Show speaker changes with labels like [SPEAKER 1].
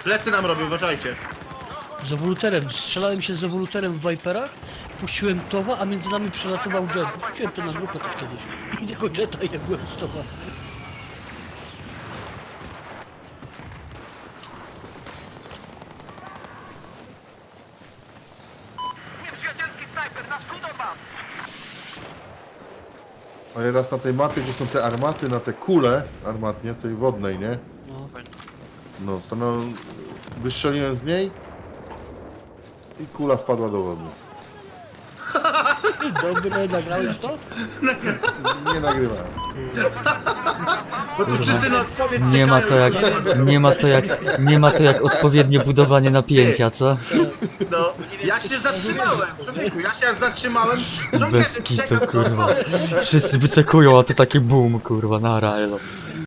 [SPEAKER 1] Plecy nam robią, uważajcie.
[SPEAKER 2] Z ewoluterem, strzelałem się z ewoluterem w Viperach, puściłem towa, a między nami przelatował jet. Puściłem to na grupę też kiedyś. I tego jeta jak byłem z towa.
[SPEAKER 3] Nieprzyjacielski snajper na wschód od was!
[SPEAKER 4] Ale raz na tej mapie, gdzie są te armaty, na te kule armatnie, tej wodnej, nie?
[SPEAKER 2] No.
[SPEAKER 4] No, to no, wystrzeliłem z niej i kula wpadła do wody.
[SPEAKER 2] Dobre, nagrałeś to?
[SPEAKER 4] Nie nagrywałem.
[SPEAKER 1] Bo tu wszyscy na odpowiedź
[SPEAKER 5] Nie ma to jak, nie ma to jak odpowiednie budowanie napięcia, co?
[SPEAKER 1] No, ja się zatrzymałem, człowieku, ja się zatrzymałem.
[SPEAKER 5] Bez kitu, kurwa. Wszyscy wyczekują, a to taki boom, kurwa, nara, elo.